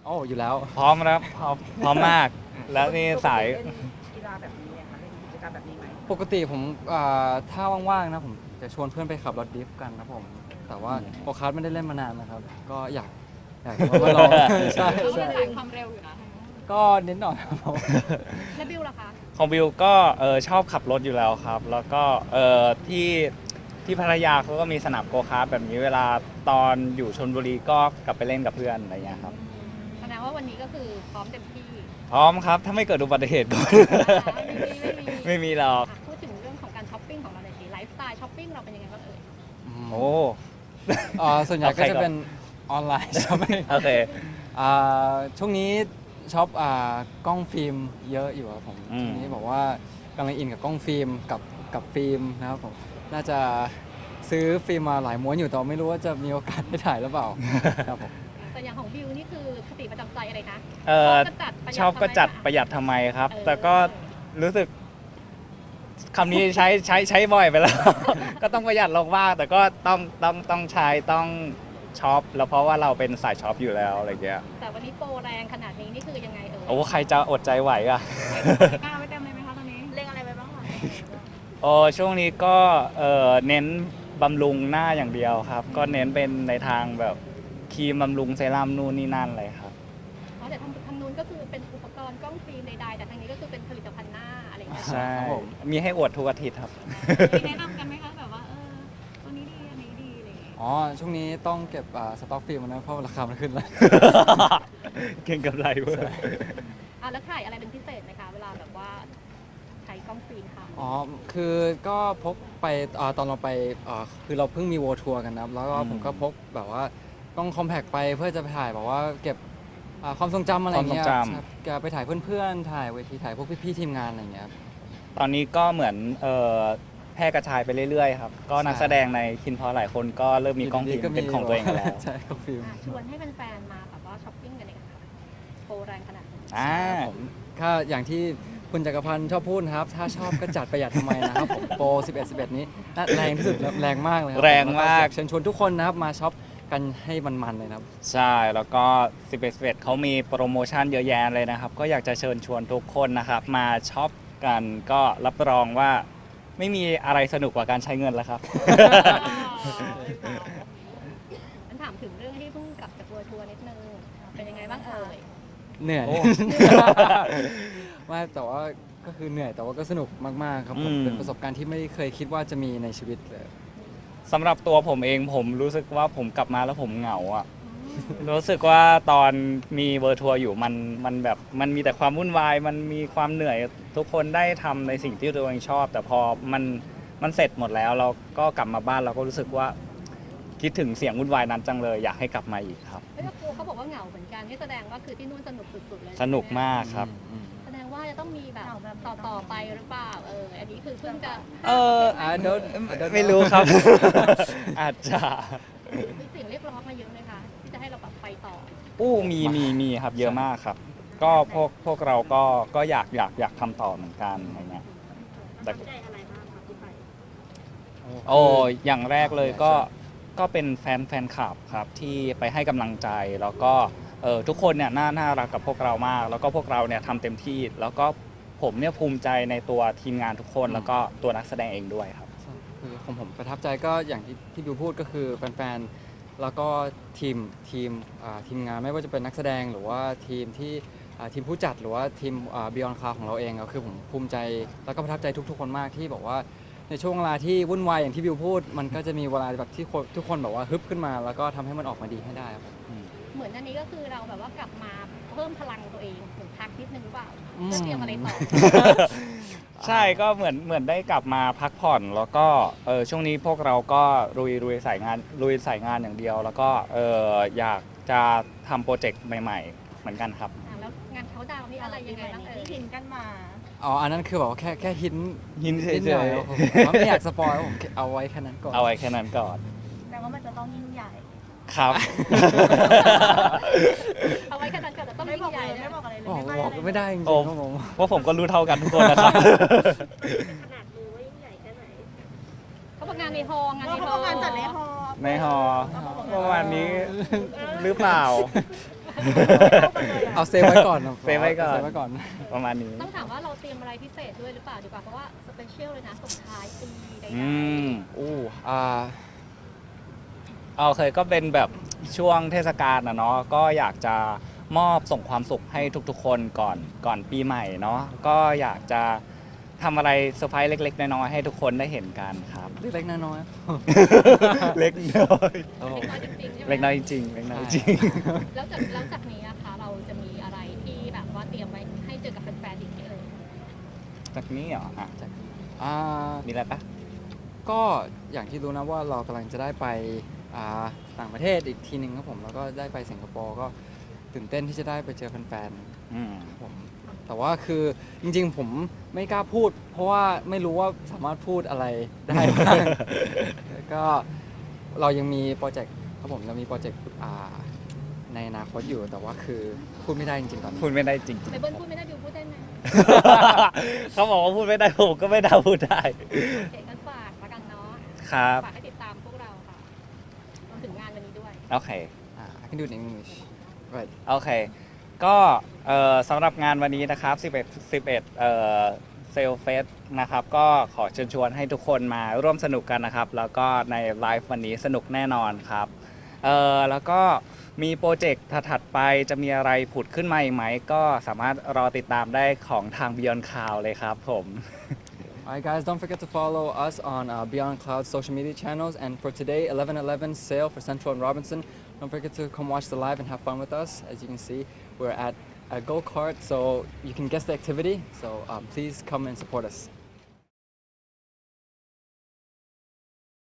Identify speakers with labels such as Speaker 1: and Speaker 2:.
Speaker 1: โอ้อยู่แล้ว
Speaker 2: พร้อมครับพร้อมมากแล้วนี่สาย
Speaker 3: เล่นกีฬาแบบนี้ไหมคะเล่นกิจกรรมแบบนี้ไหม
Speaker 1: ปกติผมถ้าว่างๆนะผมจะชวนเพื่อนไปขับรถดริฟต์กันนะผมแต่ว่าโกคาร์ทไม่ได้เล่นมานานนะครับก็อยากมาลองใช่
Speaker 4: เขา
Speaker 1: ใช่
Speaker 4: เป็นสายความเร็วอยู่นะ
Speaker 1: ก็นิดหน่อยครับผม
Speaker 4: แล้วบิวล่ะคะ
Speaker 2: ของบิวก็ชอบขับรถอยู่แล้วครับ แล้วก็ที่พัทยาเขาก็มีสนามโกคาร์ทแบบนี้เวลาตอนอยู่ชลบุรีก็กลับไปเล่นกับเพื่อนอะไรเงี้ยครับ
Speaker 4: แสดงว่าวันนี้ก็คือพร้อมเต็มที่
Speaker 2: พร้อมครับถ้าไม่เกิดอุบัติเหตุก่อน ไม่มีหรอก
Speaker 4: พูดถึงเรื่องของการช้อปปิ้งของเราหน่อยสิไลฟ์สไตล์ช้อปปิ้งเราเป็นยังไงบ้างเอ่ย
Speaker 2: โอ้
Speaker 1: ส่วนใหญ่ก็จะเป็นออนไลน์ใช่ไหม
Speaker 2: โอเค
Speaker 1: ช่วงนี้ช็อปกล้องฟิล์มเยอะอยู่ครับผมช่วงนี้บอกว่ากำลังอินกับกล้องฟิล์มกับฟิล์มนะครับผมน่าจะซื้อฟิล์มมาหลายม้วนอยู่แต่ไม่รู้ว่าจะมีโอกาสได้ถ่ายหรือเปล่าครับผม
Speaker 4: แต่อย่างของบิวนี่คือคติประจำใจอะไรคะ
Speaker 2: ชอบก็จัดประหยัดทำไมครับ แต่ก็รู้สึกคำนี้ใช้บ่อยไปแล้ว ก็ต้องประหยัดลงบ้างแต่ก็ต้องใช้ต้องช็อปแล้วเพราะว่าเราเป็นสายช็อปอยู่แล้วอะไรเงี้ย
Speaker 4: แต่วันนี้โปรแรงขนาดนี้นี่คือยังไงเอ่ย
Speaker 2: โอ้ใครจะอดใจไหวอ่ะ
Speaker 4: กล้าไว้เต็มเลยไหมคะตอนนี้เล็งอะไรไปบ้างคะ
Speaker 2: โอ้ช่วงนี้ก็เน้นบำรุงหน้าอย่างเดียวครับ ก็เน้นเป็นในทางแบบครีมบำรุงเซรั่มนู่นนี่นั่นเลยครับ
Speaker 4: อ๋อแต่ทางนู้นก็คือเป็นอุปกรณ์กล้องฟิล์มใดๆแต่ทางนี้ก็คือเป็นผลิตภัณฑ์หน้าอะไรอย่างเงี้ย
Speaker 2: ใช่ มีให้อวดทุกอาทิตย์ครับ
Speaker 4: มีแนะนำกันไหมคะแบบว่าตัวนี้ดีอันนี้ดีอะไรอย่างเงี้ย
Speaker 1: อ๋อช่วงนี้ต้องเก็บสต็อกฟิล์มนะเพราะราคามันขึ้นแล้ว
Speaker 2: เก่งกับไรเว้ย
Speaker 4: แล้วถ่ายอะไรเป็นพิเศษไหมคะเวลาแบบว่าใช้กล้องฟิล์มค่ะ
Speaker 1: อ๋อ คือก็พกไปตอนเราไปคือเราเพิ่งมี World Tour กันนะครับ แล้วก็ผมก็พกแบบว่าต้องคอมแพกไปเพื่อจะไปถ่ายแบบว่าเก็บความทรงจำอะไรเงี้ย
Speaker 2: ความทรงจำ
Speaker 1: ครับจะไปถ่ายเพื่อนๆ ถ่ายเวทีถ่ายพวกพี่ๆทีมงานอะไรเงี้ยครับ
Speaker 2: ตอนนี้ก็เหมือนแพร่กระจายไปเรื่อยๆครับ ก็นักแสดงในคินพอหลายคนก็เริ่มมีกล้องฟิล์มเป็นของตัวเองแล้ว
Speaker 1: ใช่กล้องฟิล์ม
Speaker 4: ชวนให้แฟนๆมาแบบว่าช้อปปิ้งกันเลยค่ะโปรแรงขนาดนี้
Speaker 1: ผมก็อย่างที่คุณจักรพันธ์ชอบพูดนะครับ ถ้าชอบก็จัดประหยัดทำไมนะครับผมโปร 11 นี้น่าแรงที่สุดแล้วแรงมากเลยครั
Speaker 2: แรงมาก
Speaker 1: เชิญชวนทุกคนนะครับมาช็อปกันให้มันๆเลยนะครับ
Speaker 2: ใช่ แล้วก็11เขามีโปรโมชั่นเยอะแยะเลยนะครับ ก็อยากจะเชิญชวนทุกคนนะครับ มาช็อปกันก็รับรองว่าไม่มีอะไรสนุกกว่าการใช้เงินแล้วครับ
Speaker 4: ฉันถามถึงเรื่องที่เพิ่งกลับจากทัวร์นิดนึงเป็นยังไงบ้างเอ่ย
Speaker 1: เหนื่อย
Speaker 2: โอ้
Speaker 1: ไม่แต่ว่าก็คือเหนื่อยแต่ว่าก็สนุกมากๆครับผมเป็นประสบการณ์ที่ไม่เคยคิดว่าจะมีในชีวิตเลย
Speaker 2: สำหรับตัวผมเองผมรู้สึกว่าผมกลับมาแล้วผมเหงาอ่ะ รู้สึกว่าตอนมีเวอร์ทัวร์อยู่มันแบบมันมีแต่ความวุ่นวายมันมีความเหนื่อยทุกคนได้ทำในสิ่งที่ตัวเองชอบ แต่พอมันเสร็จหมดแล้วเราก็กลับมาบ้านเราก็รู้สึกว่าคิดถึงเสียงวุ่นวายนั้นจังเลยอยากให้กลับมาอีกครับ
Speaker 4: เฮ้ยครูเขาบอกว่าเหงาเหมือนกันนี่แสดงว่าคือที่นู่นสนุกสุดๆเลย
Speaker 2: สนุกมากครับ
Speaker 4: แสดงว่าจะต้องมีแบบต่อไปหรือเปล่าอันนี้คือเพิ่งจะ
Speaker 1: I don't
Speaker 2: ไม่รู้ครับ อาจจะ
Speaker 4: มีเสียงเรียกร้องมาเยอะเลยค่ะที่จะให้เราแบบไปต่อ
Speaker 2: มีครับเยอะมากครับ ก็พวกเราก็อยากทำต่อเหมือนกันอะไรเงี้ยแต่
Speaker 4: ใจอะไรบ้างคะที่ไป
Speaker 2: โอ้อย่างแรกเลยก็เป็นแฟนคลับครับที่ไปให้กำลังใจแล้วก็ทุกคนเนี่ยน่ารักกับพวกเรามาก แล้วก็พวกเราเนี่ยทำเต็มที่ แล้วก็ผมเนี่ยภูมิใจในตัวทีมงานทุกคนแล้วก็ตัวนักแสดงเองด้วยครับ
Speaker 1: คือของผมประทับใจก็อย่างที่บิวพูดก็คือแฟนๆแล้วก็ทีมงานไม่ว่าจะเป็นนักแสดงหรือว่าทีมผู้จัดหรือว่าทีมBeyond Cloud ของเราเองก็คือผมภูมิใจแล้วก็ประทับใจทุกๆคนมากที่บอกว่าในช่วงเวลาที่วุ่นวายอย่างที่บิวพูด มันก็จะมีเวลาแบบที่ทุกคนแบบว่าฮึบขึ้นมา แล้วก็ทำให้มันออกมาดีให้ได้ครับ
Speaker 4: เหมือนอันนี้ก็คือเราแบบว่ากลับมาเพิ่มพลังตัวเองเหมือนพักนิดนึงหรือเปล่า
Speaker 1: อืม
Speaker 4: จะเตรียมอะไรต่อ
Speaker 2: ใช่ก็เหมือนได้กลับมาพักผ่อนแล้วก็ช่วงนี้พวกเราก็ลุยสายงานอย่างเดียว แล้วก็อยากจะทำโปรเจกต์ใหม่ๆ เหมือนกันครับ
Speaker 4: แล้วงานเขาดาวน์นี่อะไรยังไงบ้างที่หินกันมา
Speaker 1: อ๋ออันนั้นคือแบบว่าแค่หิน
Speaker 2: หินเฉยๆ
Speaker 1: นิดหน่อครับผมไม่อยากสปอยผมเอาไว้แค่นั้นก่อน
Speaker 2: เอาไว้แค่นั้นก่อน
Speaker 4: แต่ว่ามันจะต้องยิ่งใหญ่
Speaker 2: ครับ
Speaker 4: เอาไว้แค่นั้นก่อนแต่ต้องยิ่งใหญ่ไม่บอกอะไรเลย
Speaker 1: บอกไม่ได้จริง
Speaker 2: โอ้
Speaker 1: ๆครับผม
Speaker 2: ว่าผมก็รู้เท่ากันทุกคนนะครับ
Speaker 4: ขนาดมือว่ายิ่งใหญ่แค่ไหนเขาบอกงานในฮอลล์งานในฮอลล์
Speaker 2: ในหอประมาณนี้หรือเปล่า
Speaker 1: เอาเซฟไว้ก่อนนะ
Speaker 2: เซฟไว้ก่อน
Speaker 1: เซฟไว้ก่อน
Speaker 2: ประมาณนี้
Speaker 4: ต้องถามว่าเราเตรียมอะไรพิเศษด้วยหรือเปล่าดีกว่าเพราะว่าสเปเชียลเลยนะส่งท้ายปีใด
Speaker 2: อืม
Speaker 1: อู้
Speaker 2: เอาเคยก็เป็นแบบช่วงเทศกาลนะเนาะก็อยากจะมอบส่งความสุขให้ทุกๆ คนก่อนปีใหม่เนาะก็อยากจะทำอะไรเซอร์ไพรส์เล็กๆน้อยๆให้ทุกคนได้เห็นกันครับ
Speaker 1: เล็กๆน้อย
Speaker 2: เล็กน้อย
Speaker 1: ๆโอ้
Speaker 4: ๆเล็กน้อยจริงๆใช่ไหม
Speaker 2: เล็กน้อยจริงๆเล็กน้อยจริง
Speaker 4: แล้วจากนี้นะคะเราจะมีอะไรที่แบบว่าเตรียมไว้ให้เจอกับแฟนๆอีกไหมเอ่ย
Speaker 2: จากนี้เหรออ่ะ
Speaker 1: อ่า
Speaker 2: มีอะไรปะ
Speaker 1: ก็อย่างที่รู้นะว่าเรากำลังจะได้ไปต่างประเทศอีกทีหนึ่งครับผมแล้วก็ได้ไปสิงคโปร์ก็ตื่นเต้นที่จะได้ไปเจอแฟนๆ
Speaker 2: อืม
Speaker 1: ผมแต่ว่าคือจริงๆผมไม่กล้าพูด เพราะว่าไม่รู้ว่าสามารถพูดอะไรได้บ้าง แล้วก็เรายังมีโปรเจกต์ครับผมเรามีโปรเจกต์ในอนาคตอยู่แต่ว่าคือพูดไม่ได้จริงๆตอนนี้
Speaker 2: พูดไม่ได้จริง
Speaker 4: ไปเบิ้ลพูดไม่ได้บิวพูดได้ไหม
Speaker 2: ๆ เขาบอกว่าพูดไม่ได้ผมก็ไม่ได้พูดได้
Speaker 4: โอเคกันฝากละกันเนาะ
Speaker 2: ครับ
Speaker 4: ฝากให้ติดตามพวกเราค่ะรวมถึงงานวันนี้ด้วย
Speaker 2: โอเค
Speaker 1: I can do it in English right
Speaker 2: โอเค ก็สำหรับงานวันนี้นะครับ 11เซลเฟสนะครับ ก็ขอเชิญชวนให้ทุกคนมาร่วมสนุกกันนะครับ แล้วก็ในไลฟ์วันนี้สนุกแน่นอนครับแล้วก็มีโปรเจกต์ถัดๆไปจะมีอะไรผุดขึ้นมาอีกไหม ก็สามารถรอติดตามได้ของทาง Beyond Cloud เลยครับผม
Speaker 1: Alright guys, don't forget to follow us on Beyond Cloud social media channels. And for today, 11/11 sale for Central and Robinson. Don't forget to come watch the live and have fun with us. As you can see, we're at a go-kart, so you can guess the activity. So please come and support us.